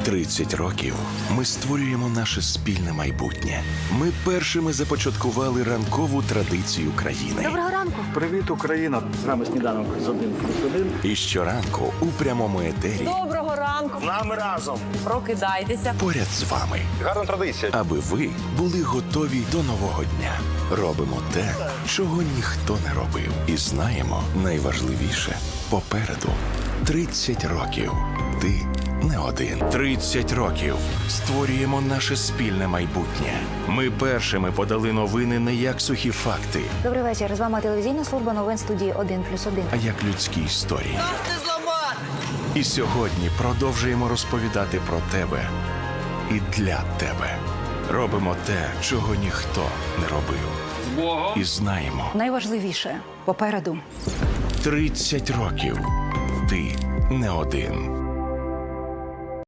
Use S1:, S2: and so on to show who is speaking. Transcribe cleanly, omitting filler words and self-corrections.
S1: 30 років ми створюємо наше спільне майбутнє. Ми першими започаткували ранкову традицію країни.
S2: Доброго ранку.
S3: Привіт, Україна! З нами сніданок з 1+1.
S1: І щоранку у прямому етері
S2: Доброго ранку.
S3: З нами разом!
S2: Прокидайтеся.
S1: поряд з вами,
S3: Гарна традиція.
S1: аби ви були готові до нового дня. Робимо те, чого ніхто не робив. І знаємо, найважливіше – попереду. 30 років. Ти не один. 30 років. Створюємо наше спільне майбутнє. Ми першими подали новини не як сухі факти,
S4: Добрий вечір. З вами телевізійна служба новин студії 1+1.
S1: а як людські історії. І сьогодні продовжуємо розповідати про тебе і для тебе. Робимо те, чого ніхто не робив. І знаємо,
S4: Найважливіше попереду.
S1: 30 років. Ти не один.